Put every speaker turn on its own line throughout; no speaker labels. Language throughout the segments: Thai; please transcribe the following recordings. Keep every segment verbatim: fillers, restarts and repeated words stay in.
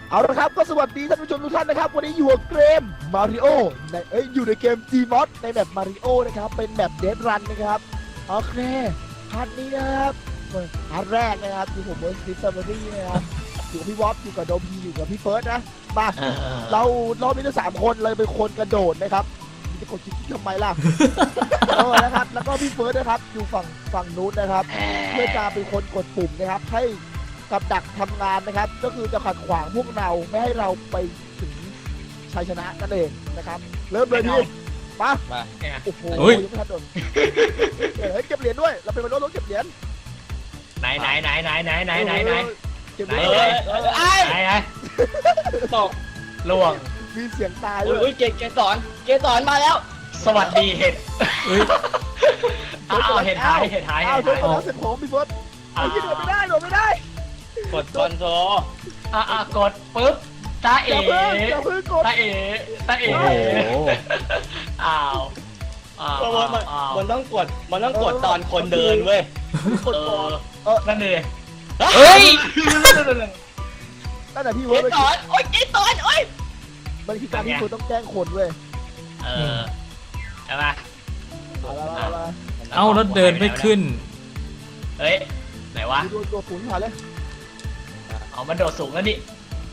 เอาละครับก็สวัสดีท่านผู้ชมทุกท่านนะครับวันนี้อยู่กับเกมมาริโอในเอ้ยอยู่ในเกม Gmod ในแบบมาริโอนะครับเป็นแบบเดดรันนะครับโอเคพาร์ทนี้นะครับพาร์ทแรกนะครับอยู่ผมเบอร์สติฟเฟอรี่นะครับอยู่กับพี่วอฟอยู่กับโดมีอยู่กับพี่เฟิร์สนะมาเราเรามีทั้งสามคนเลยเป็นคนกระโดดนะครับจะกดจิ๊กทำไมล่ะเออนะครับแล้วก็พี่เฟิร์สนะครับอยู่ฝั่งฝั่งนู้นนะครับเพื่อจะเป็นคนกดปุ่มนะครับให้กับดักทำงานนะครับก็คือจะขัดขวางพวกเราไม่ให้เราไปถึงชัยชนะนั่นเองนะครับเริ่มเลยพี่ปะโอ้โหยังไม่ทันโดนเฮ้ยเก็บเหรียญด้วยเราเป็นมนุษย์ต้องเก็บเหรียญ
ไหนไหนไหนไหนไหนไหนไหนไหน
เก็บเหรียญ
ไหนไหนตกล่วง
มีเสียงตายด้วย
อุ้ยเกเกสอนเกสอนมาแล้ว
สวัสดีเห็ดเอาเห็ดหายเห็ดหาย
เอาเห็ดหายเสร็จผมพี่เฟิร์สไอ้ยี่โดดไม่ได้โดดไม่ได้
กดคอนโทร
อ่ะอ่ะกดปึ๊บตาเอ๋ตาเอ๋ตาเอ๋อ้าว
มันมันต้องกดมันต้องกดตอนคนเดินเว้ย
กดก่อนเออ
นั่นเอง
เฮ้ยนั่นแหละพี่เวิร์ด
สอนโอ้ยไอ้สอนโอ้ย
มันคือการที่คุณต้องแกล้งคนเว้ย
เออใช่ไหม
เอาแล้วเดินไม่ขึ้น
เฮ้ยไหนวะ
โดดโดดสูงผ่านเลย
เอามันโดดสูงแล้วนี่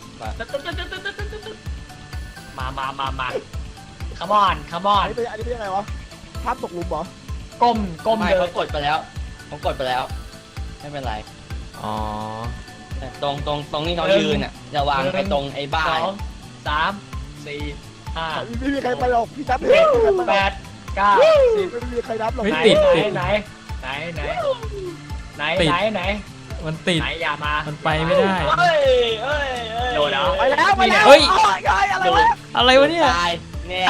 มามามามาคัมอนคัมอน
อันนี้เป็นอันนี้เป็นยังไงวะภาพตกหลุมเหรอ
ก้มก้ม
เลยเขากดไปแล้วเขากดไปแล้วไม่เป็นไร
อ๋อ
แต่ตรงตรงตรงนี้เขายืนอ่ะจะวางไปตรงไอ้บ้าน
สองสามสี่ห้า
ไม่มีใครไปหรอกพี่จับ
แปดเก้าสิบ
ไม่มีใครนับหรอก
ไหนไหนไหนไหนไหนไหนไหน
มันติด
ไหนอย่ามา
มันไปไม่ได้
เฮ้ยเฮ้ย
โดดเอา
ไปแล้วไปแล้ว
เฮ้ย
อะไรวะ
อะไรวะเนี่ย
แน่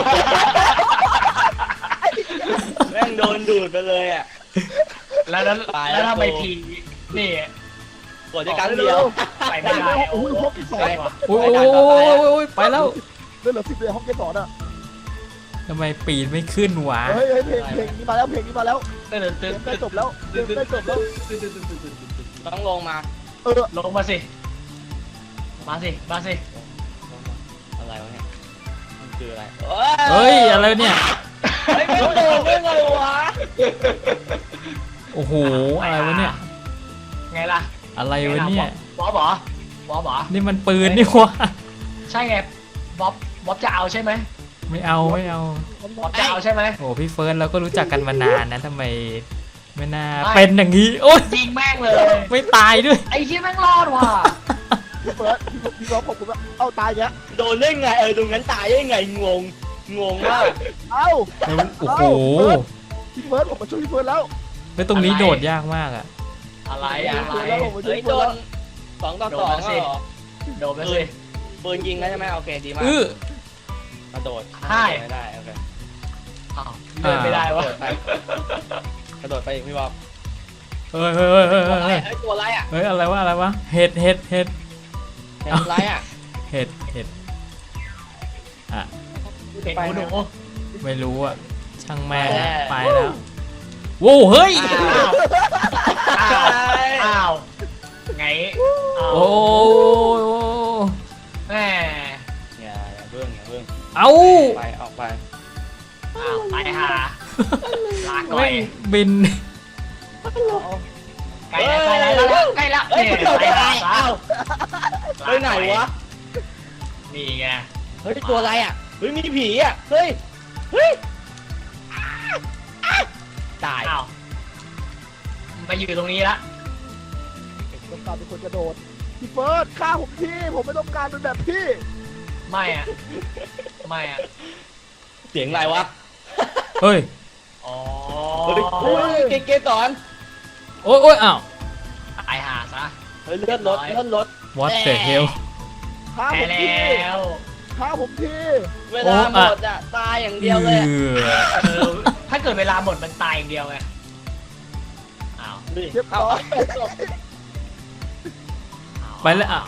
แม่งโดนดูดไปเลยอ่ะ
แล้วแล้วแล้วทำไมทีนี่
กดด้วยกันเดียว
ไปไม่ได้
โอ้ยห้องที่สอง
โอ้ยไปแล้ว
เรื่องเหลือสิบเลยห้องที่สองอ่ะ
ทำไมปีนไม่ขึ้นวะ
เฮ้ยเพลงเพลงนี้มาแล้วเพลงนี้มาแล้ว
เต้นเต้น
ใกล้จบแล้วใกล้จบแล้ว
ต้องลงมา
เออ
ลงมาสิมาสิมาสิ
อะไรวะเนี่ยมันคืออะไร
เฮ้ยอะไรเนี่ย
ไม่โดนได้ไงวะ
โอ้โหอะไรวะเนี่ย
ไงล่ะ
อะไรวะเนี่ย
บ๊อบเหรอบ๊อบเหรอ
นี่มันปืนนี่วะ
ใช่ไงบ๊อบบ๊อบจะเอาใช่ไหม
ไม่เอาไม่เอา
บ๊อบจะเอาใช่ไหม
โอ้พี่เฟิร์สเราก็รู้จักกันมานานนะทำไมไม่น่าเป็นอย่างนี้โอ๊ย
ยิงแม่งเลย
ไม่ตายด้วย
ไอ้ที่แม่งรอดว่ะ
พี่เฟิร์สพี่ร้องผมว่าเอ้าตายแก
โดนได้ไงเออตรงนั้นตายได้ไงงงงงมาก
เอ้า
โอ้โห
พี่เฟิร์สผมมาช่วยพี่เฟิร์สแล้ว
ไม่ตรงนี้โดดยากมากอะ
อะไรอะไร
เฮ้ยโดนสองต่อสองสิ
โดนไปสิ
ปืนยิงแล้วใช่ไหมโอเคดีมากกระโดด
ใช่
ไม่ได้โอเค
เดินไม่ได้วะ
กระโดดไปอีกพี่บ๊อบ
เฮ้ยเฮ้ยเฮ้ยเฮ้ยเฮ้ย
ตัวอะไรอ่ะ
เฮ้ยอะไรวะอะไรวะเห็ดเห็ดเห็ด
อะไรอ่ะ
เห็ดเห็ดอ่ะ
เห็ดหนู
ไม่รู้อ่ะช่างแม่ไปแล้วโว้เฮ้ย
อ้าวไง
โอ้
แม่
อย่าอย่าเพิ่งอย่าเพิ่ง
เอา
ไปออกไป
อ้าวไปหาลาก่อย
บิน
ใกล้แล้วใกล้แล้วใกล้แล้ว
เฮ้ยไปไหนอ้าวไปไหนวะ
นี่ไง
เฮ้ยตัวอะไรอ่ะเฮ้ยมีผีอ่ะเฮ้ยเฮ้ยตาย
อ้าวมาอยู่ตรงนี้ละ
ต้องการเป็นคนกระโดดพี่เฟิร์สฆ่าผมทีผมไม่ต้องการเป็นแบบพี่
ไม่อ่ะไม่อ่ะ
เสียงอะไรวะ
เฮ้ย
อ๋อ
โอ้ยเกเกสอน
โอ้ยโอ้ยอ้าว
ตายหาซะ
เฮ้ยเลื่อนรถเลื่อนรถ
What the hell
ฆ่าผมทีฆ่าผมที
เวลาหมดอ่ะตายอย่างเดียวเลย
ถ้าเกิดเวลาหมดมันตายอย่างเดียวไงอ้าว
เรียบร้อย
ไปแล้วอ่ะ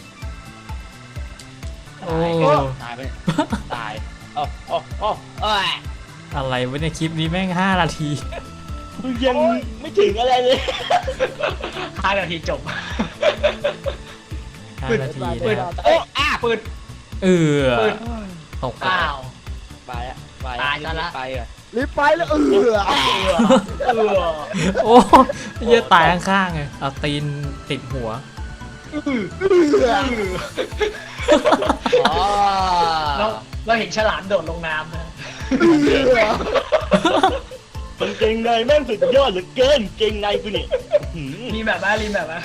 โอ้
ตายไปตายโอ้โอ้โอ้เอ้ย
อะไรวะเนี่ยคลิปนี้แม่งห้านาที
ยังไม่ถึงอะไรเลย
ห้านาทีจบ
หานาที
ปืน
นะครับ
เอ้ยอ่ะปืน
เออ
ปืน
ตก
อ้าว
ไปอ่ะไป
ตายซะละ
ไปอ่ะ
รีบไปแล้วเออ
เออเออ
โอ้เหี้ยตายข้างๆเลยเอาตีนติดหัว
เออ
อ๋อ
เราเราเห็นฉลามโดดลงน้ำนะ
เป็นเกงในแม่งสุดยอดเหลือเกินเกงในกูนี่
รีแบบว่ารีแบบว่า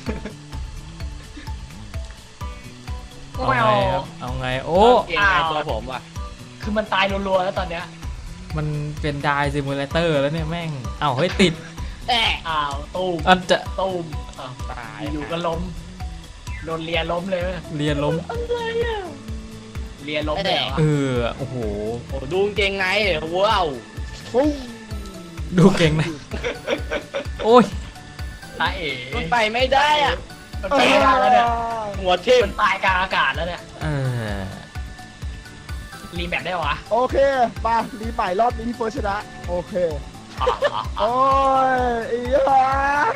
เอาไงครับ เอาไง โอ้
เกงในตัวผมว่ะ
คือมันตายรัวๆแล้วตอนเนี้ย
มันเป็นไดซิมูเลเตอร์แล้วเนี่ยแม่ง เอ้าเฮ้ยติด
แอะ
อ้าวตูม
อันจะ
ตูมอ้าว
ตาย
อยู่ก็ล้มโดนเลียล้มเลย
เรียนล้ม
เลียล้มเลยเหรอ
เออ โอ้โห
โอ้ดูเกงในว้าว
ปุ้ง
ดูเก่งนะ โอ้ย
ตาเอ๋
มันไปไม่ได้อ่ะ
มันไปไม่ได้แล้วเนี่ย
หัวทิ่ม
มันตายกลางอากาศแล้วเนี่ย
เออ
รีแบบได้วะ
โอเคมารีใหม่รอบนี้พี่เฟิร์สชนะโอเค
อ๋ออ๋ออ๋อ
โอ้ยอีหา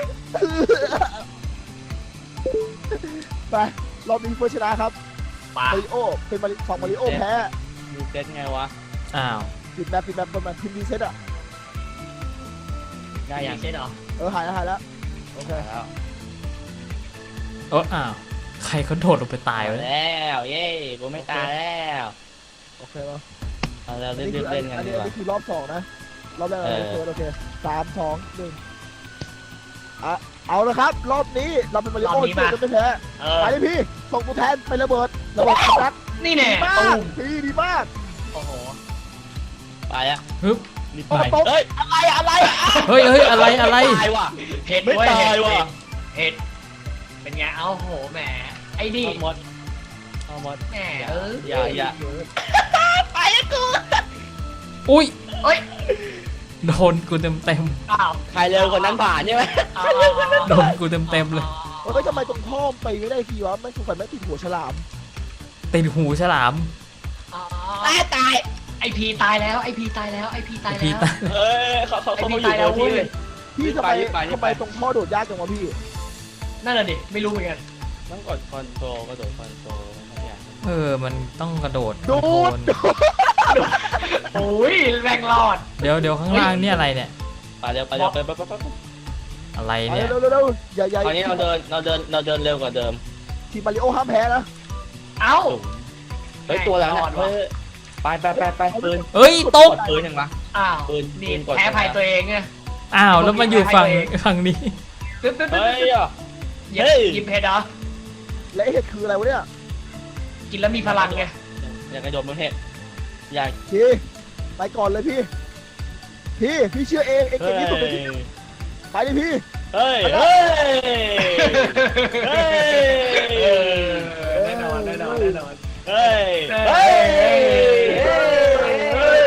ไปรอบนี้พี่เฟิร์สชนะครับ
ปา
มาริโอเป็นมาริของมาริโอแพ้
ดูเซตไงวะ
อ้าว
ปิดแมปปิดแมปประมาณพิมพ์รีเซ็ตอ่ะ
ได้ยัง
ใช่เหรอ
เออหายแล้วหายแล้วโอเค
แล้ว
โอ้อ้าว ใครเขาโดดลงไปตายวะเนี่ย
แล้วเย้กูไม่ตายแล้ว
โอเคป่ะ
เอาเรา
อัน
เล่น
นี้คือ
เล่นกัน
อัน
ดี
นี้
ก
อัน
ว่า
นี้คือรอบสองนะรอบแรกอะไร
เออ
เฟิร์สโอเคสามสองหนึ่งอ่ะเอาละครับ รอบนี้เราเป็นมาริโอที่จะไม่แพ้
เออ
ไปเลยพี่ส่งตัวแทนไประเบิดระเบิดรัก
นี่แน่
ดีมา
ตู
ก
ม
พี่ดีมาก
โอ้โห
ไปอ่ะ
ฮึบ
รีบ
โอ้
ไป
โห
เฮ้ยอะไรอะไรอ่ะ
เฮ้ยเฮ้ยอะไรอะไร
ตายว่ะ
เห็ด
ไม่
เว้ย
ตาย
เห็ด
ว่ะ
เห็ดเป็นไงเอ้าโหแหมไอ้ดิ
เอาหมดเอาหมด
แหมเออ
อย่าอย่า
ไปอะกู
อุ้ย
เอ้ย
โดนกูเต็มเต็ม
อ้าว
ใครเร็วคนนั้นผ่านใช่ไหม
อ้าว
ๆโดนกูเต็มเต็มๆเลย
เฮ้ยทำไมตรงท่อมไปไม่ได้ทีวะไม่ถูกฝันไม่ติดหัวฉลาม
ติดหูฉลาม
อ้าว
ตายตาย
ไอพีตายแล้วไอพีตายแล้วไอพีตาย
พี่
แล้ว
ตาย
เอ้ยเขาเขา
ไอ
เขา
พี
มาอยู่
ตายแล้ว
ที่
เว้
เลย ย
พี่ทำไม
รีบไปรีบไป
ทำไมตรงท่อโดดยากจังวะพี่
นั่นแหละดิไม่รู้เหมือนกัน
ต้องกดคอนโทรลกระโดดคอนโทรลอะไรอย่าง
เออ มันต้องกระโดด
โดด
คอนโทรล
โอ้ยแรงรอด
เดี๋ยวเดี๋ยวข้างล่างเนี่ยอะไรเนี่ย
ไปเร็วไปเร็วไปไปไปไป
อะไร
ไป
เนี่ย
เร็วเร็วเร็วอย่าอย่า
คราวนี้เราเดินเราเดินเราเดินเร็วกว่าเดิม
ทีมมาริโอห้ามแพ้นะ
เอ้า
เฮ้ยตัวแล้ว
ร
นะ
อดว่ะ
เฮ้ยไปไปไปไปปืน
เอ้ยตก
ปืนยังวะ
อ้าว
ปืน
นี่
ปืนกด
แพ้ภัยตัวเองไง
อ้าวแล้วมันอยู่ฝั่งฝั่งนี้
ตึ๊บตึ๊บตึ๊บ
เฮ้ยอ่ะ
หยิบ
เฮ้ย
หยิบเพชรเหรอ
และไอ้เห็ดคืออะไรวะเนี่ย
กินแล้วมีพลังไง
อย่ากระโดดบนเห็ดอย่า
พี่ไปก่อนเลยพี่ พี่พี่เชื่อเองเอง
เฮ้
เก่ง
ย
ที่สุดเลยพี่ไปเลยพี่
เฮ้ยเฮ้ยเฮ้ย
เออแน่นอนแน่นอนแน่นอน
เฮ้ยเฮ้ยเฮ้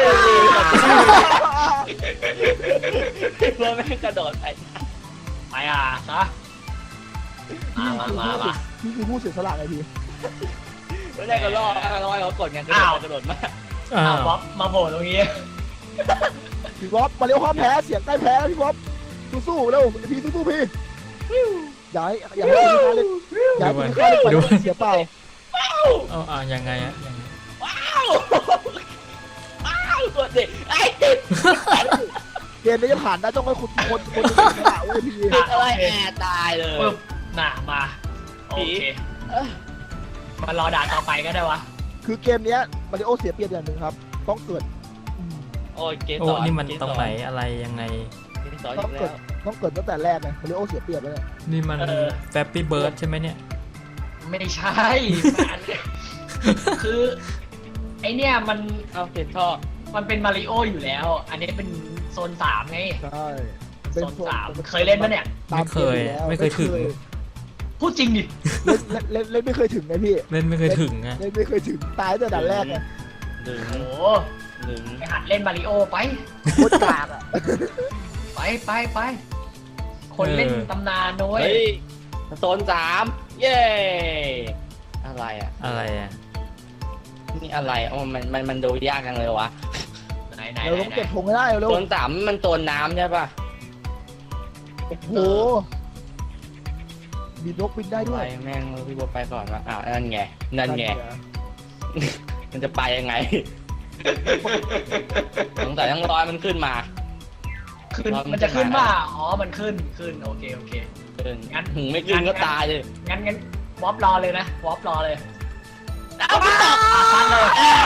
ยเพื่อไม่ให้กระโดดไป
ไปอ่ะซะมามามามา
พี่คือผู้เสียสละไงพี่
ไม่ได้ก็รอดรอดเขากดไงกระโดดกระโดดมาก
อ้า
อ้าว
ว
บ๊อบมาโผล่ตรงนี้
พี่บ๊อบมาริโอห้ามแพ้เสียงใกล้แพ้แล้วพี่บ๊อบสู้ๆเร็วพี่สู้ๆพี่อย่าให้อย่าให้พี่ฆ่าเล่นอย่าให้พี่ฆ่าเล่นไปเสียเปล่า
เอาเอายังไงอะยังไง
ว้าวว้าวกดดิไอ้ติด
เกมนี้จะผ่านได้ต้องให้คุณคนคนเสียสละเว้ยพี่
ติดอะไรแอร์ตายเลย
ปึ๊บน่ะมาโอเคมารอด่าต่อไปก็ได้วะ
คือเกมเนี้ยมาริโอเสียเปรียบอย่างหนึ่งครับ ต้องเกิด
โอ้ยเกม
โอ้
สอน
นี่มันตรงไหนอะไรยังไง
เกมสอน
ต้
อี
อง
ก
เกิ
แล้
ด
ว
ต้องเกิดตั้งแต่แรกไงมาริโอเสียเปรียบแล้วเนี่ย
นี่มันแฟปปี้เบิร์ดใช่ไหมเนี่ย
ไม่ใช่มันคือไอเนี่ยมัน
เอาติดท่อ
มันเป็นมาริโออยู่แล้ว อันนี้เป็นโซนสามไง
ใช่
โซนสามเคยเล่นปะเนี่ย
ไม่เคยไม่เคยถึง
พูดจริงดิ
เล่นเล่นเล่นไม่เคยถึงไงพี่
เล่นไม่เคยถึงอะ
เล่นไม่เคยถึงตายตั้งแต่ด่านแรกไง
หนึ่ง
โอ้โห
หนึ่ง
ไปหัดเล่นมาริโอไป
โคตรกากอ่ะ
ไปไปไป คนเล่นตำนานด้วย
เฮ้ยโซนสามเย้อะไรอ่ะ
อะไรอะ
นี่อะไรอ๋อมันมันมันดูยากจังเลยวะ
ไหนไหน
เรา
ไหน
ต้อง
ไหน
เก็บธงให้ได้เร็ว
โซนสามมันโซนน้ำใช่ป่ะ
โอ้โหมีนกบินได้ด้
ไป
วย
แม่งพี่โบทไปก่อนวะอ้าวนั่นไงนั่นไงมันจะไปยังไงสงสัยต้องรอยมันขึ้นมา
ขึ้นมันจะขึ้นมาอ๋อมันขึ้นขึ้นโอเคโอเค
ขึ้น
งั้น
หึงไม่ขึ้นก็ตายเลย
งั้นงั้นวอปรอเลยนะวอปรอเลยเอาไปตกชัดเลย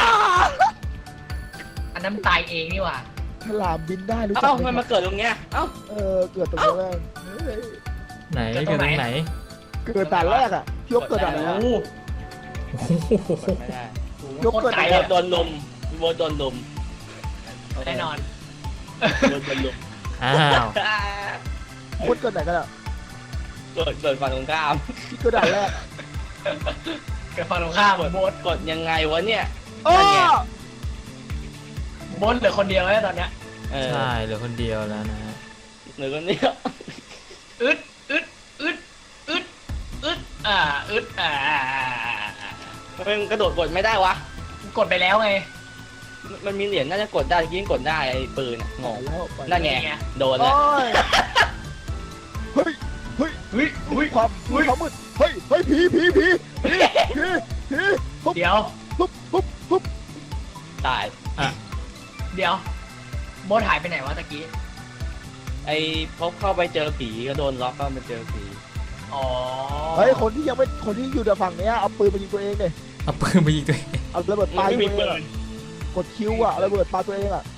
อันนั้นตายเองนี่หว่า
ฉลามบินได้รู้จัก
เอ้า
ไหม
มัน
ครั
มา
บ
เกิดตรงเนี้ยเอ้า
เออเกิดตรงนี้แม่งเฮ้ย
ไหนเกิดตรงไหน
เกิดด่านแรกอ่ะพี่ยกเกิดด่านแรก
โอ้โห
กดไม่ได้
ยกเกิด
โคตรไกล
พี่
ด่าน
โบ
แรก
ทโดนลุมพี่โบทโดนลุม
แน่นอน
พี่โบทโดนลุม
อ้าว
คนเกิดไหนกันอ่ะ
เกิดเกิดฝั่งตรงข้าม
พี่เกิดด่านแรก
เกิดฝั่งตรงข้าม
กด
โบส
กดยังไงวะเนี่ย
อ้อ
นั่นไง
โบสเหลือคนเดียวแล้วตอนเนี้ย
เออ
ใช่เหลือคนเดียวแล้วนะฮะ
หรือคนเนี้ย
อึดอึดอึดอึดอึดอ่าอึดอ่า
ทำไมมันกระโดดกดไม่ได้วะ
กดไปแล้วไง
มันมีเหรียญน่าจะกดได้ยิ่งกดได้ไอ้ปืนอะงง
ไปแล้วไป
นั่นไง
ไง
โดน
โอ้
แล้ว
ยเฮ้ยเฮ้ย
เฮ้ยเฮ้ย
ความมืดความมืดเฮ้ยเฮ้ยผีผีผีผีผีผีปุ๊บ
เดี๋ยว
ปุ๊บปุ๊บปุ๊บ
ตาย
เดี๋ยวโบสหายไปไหนวะตะกี้
ไอ้พบเข้าไปเจอผีก็โดนล็อกก็มาเจอผี
อ๋อ
เฮ้ยคนที่ยังไม่คนที่อยู่ในฝั่งเนี้ยเอาปืนมายิงตัวเองเลย
เอาปืนไปยิงตัวเอง
เอาระเบิดปา
ไม่
ตัว
มี
เอง
ปื
อะ
น
กดคิวอ่ะเอาระเบิดปาตัวเองอ่ะ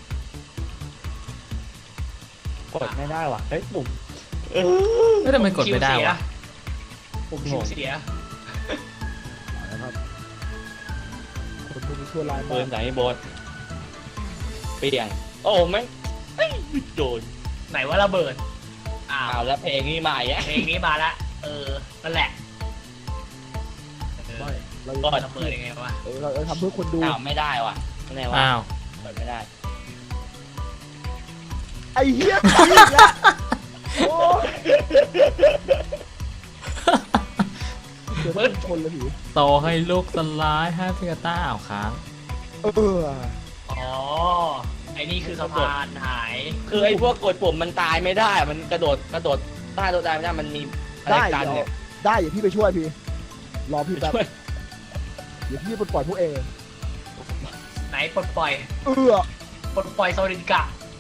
กดไม่ได้ว่ะเฮ้ยปุ่ม
ไม่ทำไมกดไม่ได้วะ
ผมคิวเสีย
นะครับคนพวกนี้ชั่วร้าย
ปื
มาน ก
จากไอ้โบสเปลี่ยนโอ้ไม่เอ้ยโดน
ไหนว่าระเบิดอ้า
อ้าว
ว
แล้วเพลงนี้มาอีก
เพลงนี้มาละเออนั่นแหละเออ
ไม่เรา
กด
ระเบิดยังไงวะ
เออเราเราทำเพื่อคนดู
อ้าวไม่ได้ว่ะไม่ได้ว่ะ
อ้าว
กดไม่ได้
ไอ้เหี้ยผีอีกแล้วโอ้ยเดี๋ยวมันชนเลยผี
ต่อให้ลูกสลายห้าพิกาต้าเอาค้าง
เออ
อ๋อไอ้นี่คือสะพานหาย
คือไอ้พวกกดปุ่มมันตายไม่ได้มันกระโดดกระโดดใต้ตัวตายไม่ได้มันมีอะไร
ได้
กัน
เดี๋ยว
เนี่ย
ได้อย่าพี่ไปช่วยพี่รอพี่แป๊บ
ช่วย
เดี๋ยวพี่ปลดปล่อยพวกเอง
ไหนปลดปล่อย
เออ
ปลดปล่อยโซลินกะ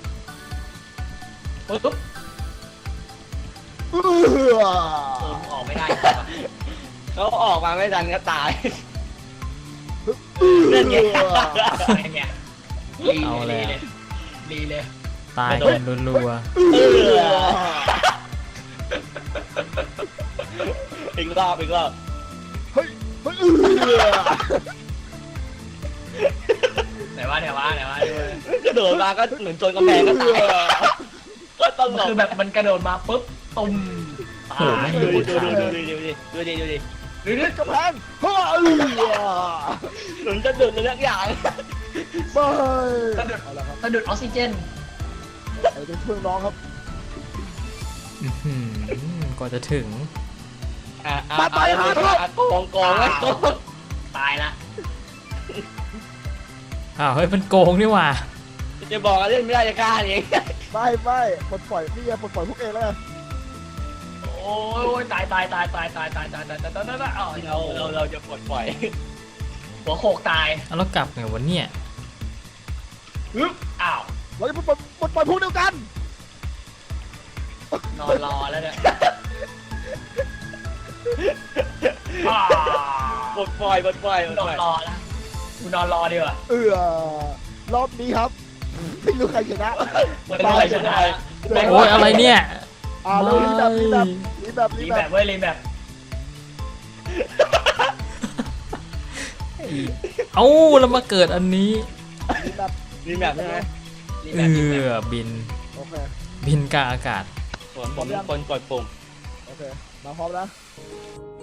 ปุ๊บ
เออ
เออมึงออกไม่ได้จริงวะ
เขาออกมาไม่ทันก็ตาย
เล่
เล่
น
น
ไง
ไง
ไอ้เนี่ยลีเลยลีเลยลีเลย
ตายกันรัว
เอออีกรอบอีกรอบ
เฮ้ยเฮ้ยเออ
ไหนวะไหนวะไหนวะ
กระโดดมาก็เหมือนโจนกำแพงก็ตายก็ตล
มัน
ก
คือแบบมันกระโดดมาปุ๊บตุ้มตาย
ดูดิดูดิดูดิดูดิดูดิดูดิ
หรือ
กระแพงเฮ้ยเออ
หนุนจะดุดเลยทุกอย่าง
ไม่
สะดุด
เอาละครับ
สะดุดออกซิเจน
ไอ้เป็นเพื่อนน้องครับ
ๆอื้อหือกว่าจะถึง
อ่ะอ่ะอ่ะโกงโกงไอ้โกง
ตายละ
อ้าวเฮ้ยมันโกงนี่หว่า
จะบอกว่าเล่นไม่ได้จะกล้าเอง
ไม่ไม่ปลดปล่อยนี่ไงปลดปล่อยพวกเองแล้วไง
โอ้ยตายตายตายตายตายตายตายตายตายตายตายอ๋อ
เราเราเราจะปลดปล่อย
หัวโขกตาย
เอาแล้วกลับไงวันเนี้ย
ฮึบอ้าว
เราจะปลดปล่อยปลดปล่อยพวกเดียวกัน
นอนรอแล้วเนี่ยอ่า
ปลดปล่อยปลดปล่อยปลด
นอ
ปล่
น
อย
รอแล้วกูนอนรอดีกว่า
เออรอบนี้ครับไม่รู้ใครชนะ
ไม่รู้ใครชนะ
โอ้ยอะไรเนี่ย
อ่าเรารีแบบรีแบบรีแบบรี
รี
แบ
แบบ บเว้ยรีแบบ
เอ้าแล้วมาเกิดอันนี้
รีแบบ
มีแบบใช่ไหม
รี
เอ
แบบรีแบบ
อบิน
โอเค
บินกลางอากาศ
ผมผมเป็นคนกดปุ่ม
โอเคมาพร้อมนะ